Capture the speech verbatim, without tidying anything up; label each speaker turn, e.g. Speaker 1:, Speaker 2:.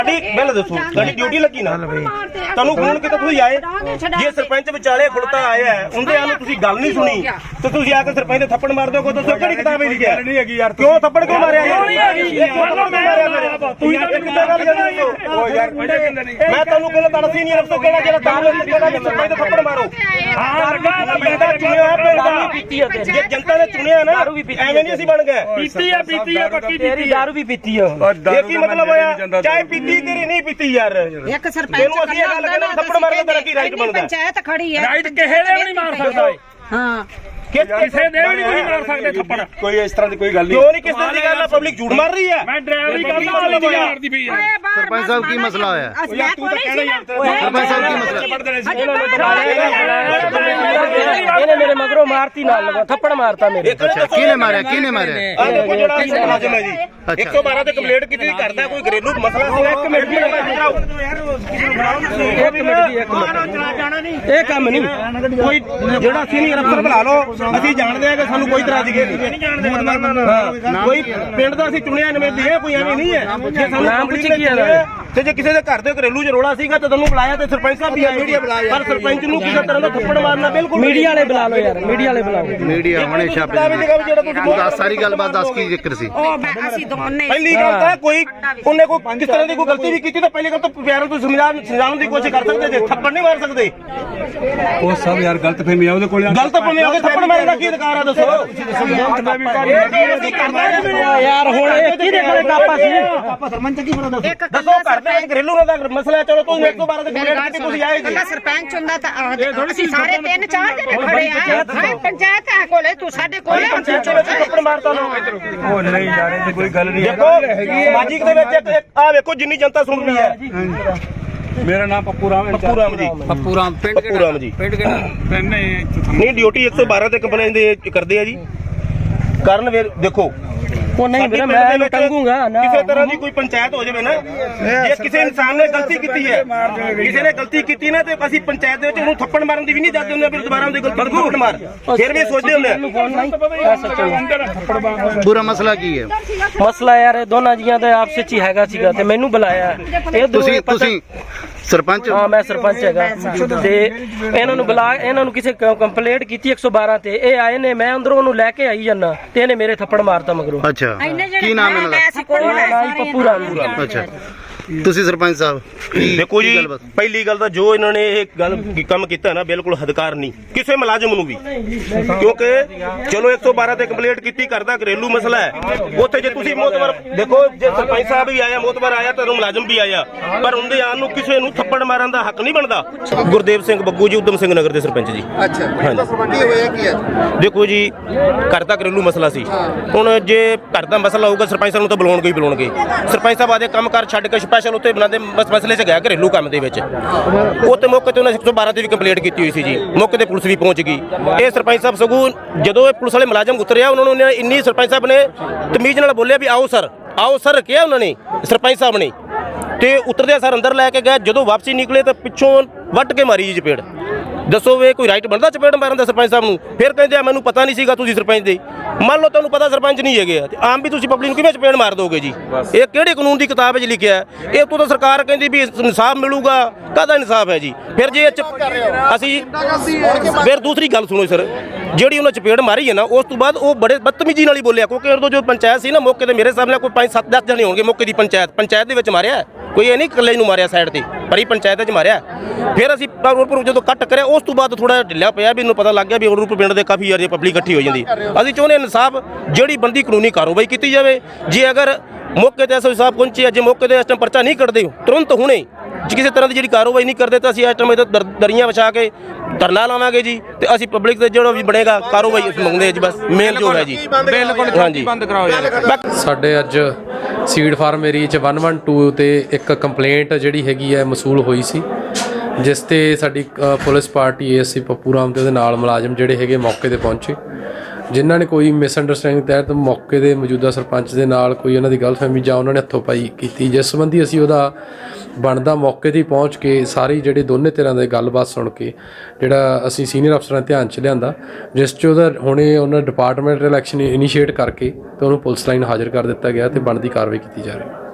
Speaker 1: ਪਹਿਲਾਂ ਦੱਸੋ ਤੁਹਾਡੀ ਡਿਊਟੀ ਲੱਗੀ ਨਾ ਤੁਹਾਨੂੰ ਫੋਨ ਕੀਤਾ ਤੁਸੀਂ ਆਏ ਜੇ ਸਰਪੰਚ ਵਿਚਾਲੇ ਖੁਲਤਾ ਆਇਆ ਉਹਦੇ ਆਨੂੰ ਤੁਸੀਂ ਗੱਲ ਨਹੀਂ ਸੁਣੀ ਤੇ ਤੁਸੀਂ ਆ ਕੇ ਸਰਪੰਚ ਦੇ ਥੱਪੜ ਮਾਰ ਦਿਓ। ਦੱਸੋ ਕਿਹੜੀ ਕਿਤਾਬ ਵਿੱਚ ਲਿਖਿਆ ਨਹੀਂ ਹੈਗੀ ਯਾਰ ਕਿਉਂ ਥੱਪੜ ਕਿਉਂ ਮਾਰਿਆ ਤੂੰ ਕਿੱਦਾਂ ਗੱਲ ਕਰਦੀ ਓ ਯਾਰ ਮੈਂ ਤੁਹਾਨੂੰ ਕਹਿੰਦਾ ਤੁਹਾਡਾ ਸੀਨੀਅਰ ਅਫਸਰ ਕਿਹੜਾ ਜਿਹੜਾ ਦਾਲ ਕਿਹੜਾ ਸਰਪੰਚ ਦੇ ਥੱਪੜ ਮਾਰੋ। ਹਾਂ ਪਿੰਡਾ ਚੁਣਿਆ ਪਿੰਡਾ ਪੀਤੀ ਹੈ ਜੇ ਜਨਤਾ ਨੇ ਚੁਣਿਆ ਨਾ ਐਵੇਂ ਨਹੀਂ ਅਸੀਂ ਬਣ ਗਏ। ਪੀਤੀ ਆ ਪੀਤੀ ਆ ਪੱਕੀ ਤੇਰੀ ਦਾਰੂ ਵੀ ਪੀਤੀ ਆ ਇਹ ਕੀ ਮਤਲਬ ਹੋਇਆ ਚਾਹੇ ਪੀਤੀ ਤੇਰੀ ਨਹੀਂ ਪੀਤੀ ਯਾਰ
Speaker 2: ਇੱਕ ਸਰਪੰਚ
Speaker 1: ਅਸੀਂ ਇਹ ਗੱਲ ਕਹਿੰਦੇ ਥੱਪੜ ਮਾਰਨ ਦਾ ਤੇਰਾ ਕੀ ਰਾਈਟ ਬਣਦਾ।
Speaker 2: ਪੰਚਾਇਤ ਖੜੀ ਹੈ
Speaker 3: ਰਾਈਟ ਕਿਸੇ ਦੇ ਵੀ ਨਹੀਂ ਮਾਰ ਸਕਦਾ।
Speaker 2: ਹਾਂ
Speaker 3: ਕਿਸੇ ਦੇ ਵੀ ਨਹੀਂ ਮਾਰ ਸਕਦੇ ਥੱਪੜ
Speaker 1: ਕੋਈ ਇਸ ਤਰ੍ਹਾਂ ਦੀ ਕੋਈ ਗੱਲ ਨਹੀਂ ਕਿਉਂ ਨਹੀਂ ਕਿਸੇ ਦੀ ਗੱਲ ਆ ਪਬਲਿਕ ਝੂਠ ਮਾਰ ਰਹੀ ਹੈ।
Speaker 3: ਮੈਂ ਡਰਾਈਵਰੀ ਕਰਦਾ ਮਾਰਦੀ ਪਈ ਹੈ।
Speaker 4: ਸਰਪੰਚ ਸਾਹਿਬ ਕੀ ਮਸਲਾ ਹੋਇਆ
Speaker 1: ਤੂੰ ਤਾਂ ਕਹਿਣਾ ਯਾਰ
Speaker 4: ਸਰਪੰਚ ਸਾਹਿਬ ਕੀ ਮਸਲਾ
Speaker 5: ਇਹਨੇ ਮੇਰੇ ਮਗਰੋਂ ਮਾਰਤੀ ਨਾਲ ਲਗਾ ਥੱਪੜ ਮਾਰਤਾ ਮੇਰੇ।
Speaker 4: ਅੱਛਾ ਕਿਹਨੇ ਮਾਰਿਆ ਕਿਹਨੇ ਮਾਰਿਆ
Speaker 1: ਆ ਦੇਖੋ ਜਿਹੜਾ ਮੁਲਾਜ਼ਮ ਹੈ ਜੀ ਇੱਕ ਸੌ ਬਾਰਾਂ ਤੇ ਕੰਪਲੇਂਟ ਕੀਤੀ ਕਰਦਾ ਕੋਈ ਘਰੇਲੂ ਮਸਲਾ ਸੀ। ਇੱਕ ਮਿੰਟ ਦੀ ਇੱਕ ਮਿੰਟ ਦੀ ਇੱਕ ਮਿੰਟ ਇਹ ਕੰਮ ਨਹੀਂ ਕੋਈ ਜਿਹੜਾ ਸੀਨੀਅਰ ਅਫਸਰ ਬੁਲਾ ਲਓ ਅਸੀਂ ਜਾਣਦੇ ਆ ਕਿ ਸਾਨੂੰ ਕੋਈ ਤਰ੍ਹਾਂ ਦੀ ਕੋਈ ਪਿੰਡ ਦਾ ਅਸੀਂ ਚੁਣਿਆ ਨਵੇਂ ਹੈ ਕੋਈ ਐਵੇਂ ਨਹੀਂ ਹੈ ਜੇ ਸਾਨੂੰ ਨਾਮ ਪੁੱਛ ਕੀ ਹੈ ਤੇ ਜੇ ਕਿਸੇ ਦੇ ਘਰ ਦੇ ਘਰੇਲੂ ਚ ਰੋਲਾ ਸੀਗਾ ਤਾਂ ਤੁਹਾਨੂੰ ਬੁਲਾਇਆ ਤੇ ਸਰਪੰਚ ਸਾਹਿਬ ਵੀ ਆਏ ਪਰ ਸਰਪੰਚ ਨੂੰ ਕਿਸੇ ਤਰ੍ਹਾਂ ਦਾ ਥੱਪੜ ਮਾਰਨਾ ਬਿਲਕੁਲ
Speaker 5: ਮੀਡੀਆ ਵਾਲੇ ਬੁਲਾ ਲਓ ਯਾਰ ਮੀਡੀਆ ਵਾਲੇ ਬੁਲਾਓ
Speaker 4: ਮੀਡੀਆ ਹੁਣੇ ਛਾਪੇ ਦੱਸ ਸਾਰੀ ਗੱਲਬਾਤ ਦੱਸ ਕੀ ਜ਼ਿਕਰ ਸੀ।
Speaker 2: ਅਸੀਂ ਦੋਨੇ
Speaker 1: ਪਹਿਲੀ ਗੱਲ ਤਾਂ ਕੋਈ ਉਹਨੇ ਕੋਈ ਕਿਸ ਤਰ੍ਹਾਂ ਦੀ ਕੋਈ ਗਲਤੀ ਵੀ ਕੀਤੀ ਤਾਂ ਪਹਿਲੀ ਗੱਲ ਤਾਂ ਪਿਆਰ ਤੋਂ ਸਮਝਾਉਣ ਸਮਝਾਉਣ ਦੀ ਕੋਸ਼ਿਸ਼ ਕਰ ਸਕਦੇ ਜੇ ਥੱਪੜ ਨਹੀਂ ਮਾਰ ਸਕਦੇ।
Speaker 6: ਉਹ ਸਭ ਯਾਰ ਗਲਤ ਫਹਿਮੀ ਆ ਉਹਦੇ ਕੋਲ
Speaker 1: ਗਲਤ ਫਹਿਮੀ ਆ ਕੇ ਥੱਪੜ ਮਾਰਨ ਦਾ ਕੀ ਅਧਿਕਾਰ ਆ ਦੱਸੋ
Speaker 5: ਯਾਰ ਹੁਣ ਇਹ ਕਿਹਦੇ ਕੋਲੇ ਕਾਪਾ ਸੀ
Speaker 1: ਦੱਸੋ ਘਰ ਦੇ ਘਰੇਲੂ ਦਾ ਮਸਲਾ ਚਲੋ ਤੁਸੀਂ ਇੱਕ ਤੋਂ ਬਾਰਾਂ ਦੇ ਕੰਪਲੇਂਟ ਕੀਤੀ ਤੁਸੀਂ ਆਏ ਜੀ
Speaker 2: ਸਰਪੰਚ ਹੁੰਦਾ ਤਾਂ ਅਸੀਂ ਸਾਰੇ ਤਿੰਨ ਚਾਰ ਜਣੇ ਖੜੇ ਆ ਪੰਚਾਇਤ ਆ ਕੋਲੇ ਤੂੰ ਸਾਡੇ ਕੋਲੇ
Speaker 1: ਥੱਪੜ ਮਾਰਤਾ ਨਾ
Speaker 6: ਉਹ ਨਹੀਂ ਯਾਰ ਇਹ ਕੋਈ ਗੱਲ ਨਹੀਂ
Speaker 1: ਦੇਖੋ ਸਮਾਜਿਕ ਦੇ ਵਿੱਚ ਇੱਕ ਆ ਵੇਖੋ ਜਿੰਨੀ ਜਨਤਾ ਸੁਣ ਰਹੀ ਹੈ।
Speaker 6: ਮੇਰਾ ਨਾਮ ਪੱਪੂ ਰਾਮ ਹੈ।
Speaker 1: ਪੱਪੂ ਰਾਮ ਜੀ
Speaker 4: ਪੱਪੂ ਰਾਮ ਪਿੰਡ
Speaker 1: ਪੱਪੂ ਰਾਮ ਜੀ
Speaker 4: ਪਿੰਡ ਕਿਹੜਾ
Speaker 6: ਪਿੰਡ
Speaker 1: ਨਹੀਂ ਡਿਊਟੀ ਇੱਕ ਸੌ ਬਾਰਾਂ ਤੇ ਕੰਪਲੇਂਟ ਦੇ ਕਰਦੇ ਆ ਜੀ ਕਰਨ ਵੇ ਦੇਖੋ
Speaker 5: ਉਹ ਨਹੀਂ ਵੀਰੇ ਮੈਂ ਇਹਨੂੰ ਟੰਗੂਗਾ ਨਾ
Speaker 1: ਕਿਸੇ ਤਰ੍ਹਾਂ ਦੀ ਕੋਈ ਪੰਚਾਇਤ ਹੋ ਜਾਵੇ ਨਾ ਜੇ ਕਿਸੇ ਇਨਸਾਨ ਨੇ ਗਲਤੀ ਕੀਤੀ ਹੈ ਕਿਸੇ ਨੇ ਗਲਤੀ ਕੀਤੀ ਨਾ ਤੇ ਅਸੀਂ ਪੰਚਾਇਤ ਦੇ ਵਿੱਚ ਉਹਨੂੰ ਥੱਪੜ ਮਾਰਨ ਦੀ ਵੀ ਨਹੀਂ ਦੱਸਦੇ ਹੁੰਦੇ ਫਿਰ ਦੁਬਾਰਾ ਉਹਦੀ ਗਲਤੀ ਨੂੰ ਥੱਪੜ ਮਾਰ ਫਿਰ ਵੀ ਸੋਚਦੇ ਹੁੰਦੇ
Speaker 4: ਪੂਰਾ ਮਸਲਾ ਕੀ ਹੈ
Speaker 5: ਮਸਲਾ ਯਾਰ ਇਹ ਦੋਨਾਂ ਜੀਆਂ ਦਾ ਆਪਸ ਵਿੱਚ ਹੀ ਹੈਗਾ ਸੀਗਾ ਤੇ ਮੈਨੂੰ ਬੁਲਾਇਆ ਇਹ
Speaker 4: ਤੁਸੀਂ ਤੁਸੀਂ ਸਰਪੰਚ
Speaker 5: ਹਾਂ ਮੈਂ ਸਰਪੰਚ ਹੈਗਾ ਤੇ ਇਹਨਾਂ ਨੂੰ ਬੁਲਾ ਇਹਨਾਂ ਨੂੰ ਕਿਸੇ ਕੰਪਲੇਂਟ ਕੀਤੀ ਇੱਕ ਸੌ ਬਾਰਾਂ ਤੇ ਇਹ ਆਏ ਨੇ ਮੈਂ ਅੰਦਰੋਂ ਉਹਨੂੰ ਲੈ ਕੇ ਆਈ ਜਾਂਦਾ ਤੇ ਇਹਨੇ ਮੇਰੇ ਥੱਪੜ ਮਾਰਤਾ ਮਗਰੋਂ।
Speaker 4: ਅੱਛਾ ਕੀ ਨਾਮ ਇਹਨਾਂ ਦਾ
Speaker 5: ਪੱਪੂ ਰਾਮ।
Speaker 4: ਅੱਛਾ ਤੁਸੀਂ ਸਰਪੰਚ ਸਾਹਿਬ
Speaker 1: ਦੇਖੋ ਜੀ ਪਹਿਲੀ ਗੱਲ ਤਾਂ ਜੋ ਇਹਨਾਂ ਨੇ ਇਹ ਗੱਲ ਕੰਮ ਕੀਤਾ ਨਾ ਬਿਲਕੁਲ ਹਦਕਾਰ ਨਹੀਂ ਕਿਸੇ ਮੁਲਾਜ਼ਮ ਨੂੰ ਵੀ ਕਿਉਂਕਿ ਚਲੋ ਇੱਕ ਸੌ ਬਾਰਾਂ ਤੇ ਕੰਪਲੇਂਟ ਕੀਤੀ ਕਰਦਾ ਘਰੇਲੂ ਮਸਲਾ ਹੈ ਉੱਥੇ ਜੇ ਤੁਸੀਂ ਮੋਤਬਰ ਦੇਖੋ ਜੇ ਸਰਪੰਚ ਸਾਹਿਬ ਵੀ ਆਇਆ ਮੋਤਬਰ ਆਇਆ ਤਾਂ ਮੁਲਾਜ਼ਮ ਵੀ ਆਇਆ ਪਰ ਉਹਦੇ ਆਉਣ ਨੂੰ ਕਿਸੇ ਨੂੰ ਥੱਪੜ ਮਾਰਨ ਦਾ ਹੱਕ ਨਹੀਂ ਬਣਦਾ। ਗੁਰਦੇਵ ਸਿੰਘ ਬੱਗੂ ਜੀ ਉਦਮ ਸਿੰਘ ਨਗਰ ਦੇ ਸਰਪੰਚ ਜੀ।
Speaker 4: ਅੱਛਾ ਕੀ ਹੋਇਆ ਕੀ ਹੈ
Speaker 1: ਦੇਖੋ ਜੀ ਘਰ ਦਾ ਘਰੇਲੂ ਮਸਲਾ ਸੀ ਹੁਣ ਜੇ ਘਰ ਦਾ ਮਸਲਾ ਹੋਊਗਾ ਸਰਪੰਚ ਸਾਹਿਬ ਨੂੰ ਤਾਂ ਬੁਲਾਉਣਗੇ ਹੀ ਬੁਲਾਉਣਗੇ। ਸਰਪੰਚ ਸਾਹਿਬ ਆਦੇ ਕੰਮ ਕਰ ਛੱਡ ਕੇ ਸਪੈਸ਼ਲ ਉੱਤੇ ਬਣਾਉਂਦੇ ਮਸਲੇ 'ਚ ਗਿਆ ਘਰੇਲੂ ਕੰਮ ਦੇ ਵਿੱਚ ਉਹ ਤੇ ਮੌਕੇ ਤੇ ਉਹਨਾਂ ਇੱਕ ਸੌ ਬਾਰਾਂ ਤੇ ਵੀ ਕੰਪਲੇਂਟ ਕੀਤੀ ਹੋਈ ਸੀ ਜੀ ਮੌਕੇ ਤੇ ਪੁਲਿਸ ਵੀ ਪਹੁੰਚ ਗਈ। ਇਹ ਸਰਪੰਚ ਸਾਹਿਬ ਸਗੋਂ ਜਦੋਂ ਇਹ ਪੁਲਿਸ ਵਾਲੇ ਮੁਲਾਜ਼ਮ ਉਤਰਿਆ ਉਹਨਾਂ ਨੂੰ ਇੰਨੀ ਸਰਪੰਚ ਸਾਹਿਬ ਨੇ ਤਮੀਜ਼ ਨਾਲ ਬੋਲਿਆ ਵੀ ਆਓ ਸਰ ਆਓ ਸਰ ਕਿਹਾ ਉਹਨਾਂ ਨੇ ਸਰਪੰਚ ਸਾਹਿਬ ਨੇ ਤੇ ਉਤਰਦਿਆਂ ਸਰ ਅੰਦਰ ਲੈ ਕੇ ਗਏ ਜਦੋਂ ਵਾਪਸੀ ਨਿਕਲੇ ਤਾਂ ਪਿੱਛੋਂ ਵੱਟ ਕੇ ਮਾਰੀ ਜੀ ਚਪੇੜ। ਦੱਸੋ ਵੇ ਕੋਈ ਰਾਈਟ ਬਣਦਾ ਚਪੇੜ ਮਾਰਨ ਦਾ ਸਰਪੰਚ ਸਾਹਿਬ ਨੂੰ। ਫਿਰ ਕਹਿੰਦੇ ਆ ਮੈਨੂੰ ਪਤਾ ਨਹੀਂ ਸੀਗਾ ਤੁਸੀਂ ਸਰਪੰਚ ਦੇ ਮੰਨ ਲਓ ਤੁਹਾਨੂੰ ਪਤਾ ਸਰਪੰਚ ਨਹੀਂ ਹੈਗੇ ਤੇ ਆਮ ਵੀ ਤੁਸੀਂ ਪਬਲਿਕ ਨੂੰ ਕਿਵੇਂ ਚਪੇੜ ਮਾਰ ਦੋਗੇ ਜੀ। ਇਹ ਕਿਹੜੇ ਕਾਨੂੰਨ ਦੀ ਕਿਤਾਬ ਵਿੱਚ ਲਿਖਿਆ ਇਹ ਤੋਂ ਤਾਂ ਸਰਕਾਰ ਕਹਿੰਦੀ ਵੀ ਇਨਸਾਫ ਮਿਲੂਗਾ ਕਾਹਦਾ ਇਨਸਾਫ ਹੈ ਜੀ। ਫਿਰ ਜੇ ਅਸੀਂ ਫਿਰ ਦੂਸਰੀ ਗੱਲ ਸੁਣੋ ਸਰ ਜਿਹੜੀ ਉਹਨਾਂ ਚਪੇੜ ਮਾਰੀ ਹੈ ਨਾ ਉਸ ਤੋਂ ਬਾਅਦ ਉਹ ਬੜੇ ਬਦਤਮੀਜੀ ਨਾਲ ਹੀ ਬੋਲਿਆ ਕਿਉਂਕਿ ਉਦੋਂ ਜੋ ਪੰਚਾਇਤ ਸੀ ਨਾ ਮੌਕੇ ਤੇ ਮੇਰੇ ਸਾਹਮਣੇ ਕੋਈ ਪੰਜ ਸੱਤ ਦਸ ਜਣੇ ਹੋਣਗੇ ਮੌਕੇ ਦੀ ਪੰਚਾਇਤ ਪੰਚਾਇਤ ਦੇ ਵਿੱਚ ਮਾਰਿਆ ਕੋਈ ਇਹ ਨਹੀਂ ਇਕੱਲੇ ਨੂੰ ਮਾਰਿਆ ਸਾਈਡ ਤੇ ਪਰ ਹੀ ਪੰਚਾਇਤ 'ਚ ਮਾਰਿਆ। ਫਿਰ ਅਸੀਂ ਜਦੋਂ ਕੱਟ ਕਰਿਆ ਉਸ ਤੋਂ ਬਾਅਦ ਥੋੜਾ ਢਿੱਲਾ ਪਿਆ ਵੀ ਇਹਨੂੰ ਪਤਾ ਲੱਗ ਗਿਆ ਵੀ ਰੂਪ ਪਿੰਡ ਦੇ ਕਾਫੀ ਯਾਰ ਪਬਲਿਕ ਇਕੱਠੀ ਹੋ ਜਾਂਦੀ। ਅਸੀਂ ਚਾਹੁੰਦੇ ਇਨਸਾਫ ਜਿਹੜੀ ਬੰਦੀ ਕਾਨੂੰਨੀ ਕਾਰਵਾਈ ਕੀਤੀ ਜਾਵੇ। ਜੇ ਅਗਰ ਮੌਕੇ ਤੇ ਐਸਓ ਸਾਹਿਬ ਪਹੁੰਚੇ ਅੱਜ ਮੌਕੇ ਤੇ ਇਸ ਟਾਈਮ ਪਰਚਾ ਨਹੀਂ ਕੱਢਦੇ ਤੁਰੰਤ ਹੁਣੇ ਜੇ ਕਿਸੇ ਤਰ੍ਹਾਂ ਦੀ ਜਿਹੜੀ ਕਾਰਵਾਈ ਨਹੀਂ ਕਰਦੇ ਤਾਂ ਅਸੀਂ ਇਸ ਟਾਈਮ ਇੱਥੇ ਦਰੀਆਂ ਵਿਛਾ ਕੇ ਧਰਨਾ ਲਾਵਾਂਗੇ ਜੀ ਤੇ ਅਸੀਂ ਪਬਲਿਕ ਤੇ ਜਿਹੜਾ ਵੀ ਬਣੇਗਾ ਕਾਰਵਾਈ ਅਸੀਂ ਮੰਗਦੇ ਜੀ ਬਸ ਮੇਨ ਜੋ ਹੈ ਜੀ
Speaker 3: ਬਿਲਕੁਲ ਹਾਂਜੀ ਬੰਦ ਕਰਾਓ ਯਾਰ।
Speaker 7: ਸਾਡੇ ਅੱਜ ਸੀਡ ਫਾਰਮ ਏਰੀਆ 'ਚ ਇੱਕ ਸੌ ਬਾਰਾਂ ਤੇ ਇੱਕ ਕੰਪਲੇਂਟ ਜਿਹੜੀ ਹੈਗੀ ਹੈ ਮਸੂਲ ਹੋਈ ਸੀ ਜਿਸ ਤੇ ਸਾਡੀ police party ASC Pappu Ram ਤੇ ਉਹਦੇ ਨਾਲ ਮੁਲਾਜ਼ਮ ਜਿਹੜੇ ਹੈਗੇ ਮੌਕੇ ਤੇ ਪਹੁੰਚੇ ਜਿਨ੍ਹਾਂ ਨੇ ਕੋਈ ਮਿਸਅੰਡਰਸਟੈਂਡਿੰਗ ਤਹਿਤ ਮੌਕੇ ਦੇ ਮੌਜੂਦਾ ਸਰਪੰਚ ਦੇ ਨਾਲ ਕੋਈ ਉਹਨਾਂ ਦੀ ਗਲਤਫਹਿਮੀ ਜਾਂ ਉਹਨਾਂ ਨੇ ਹੱਥੋਂ ਪਾਈ ਕੀਤੀ ਜਿਸ ਸੰਬੰਧੀ ਅਸੀਂ ਉਹਦਾ ਬਣਦਾ ਮੌਕੇ 'ਤੇ ਪਹੁੰਚ ਕੇ ਸਾਰੀ ਜਿਹੜੇ ਦੋਨੇ ਧਿਰਾਂ ਦੇ ਗੱਲਬਾਤ ਸੁਣ ਕੇ ਜਿਹੜਾ ਅਸੀਂ ਸੀਨੀਅਰ ਅਫਸਰਾਂ ਧਿਆਨ 'ਚ ਲਿਆਂਦਾ ਜਿਸ 'ਚ ਉਹਦਾ ਹੁਣੇ ਉਹਨਾਂ ਡਿਪਾਰਟਮੈਂਟ ਇਲੈਕਸ਼ਨ ਇਨੀਸ਼ੀਏਟ ਕਰਕੇ ਤੇ ਉਹਨੂੰ ਪੁਲਿਸ ਲਾਈਨ ਹਾਜ਼ਰ ਕਰ ਦਿੱਤਾ ਗਿਆ ਤੇ ਬਣਦੀ ਕਾਰਵਾਈ ਕੀਤੀ ਜਾ ਰਹੀ ਹੈ।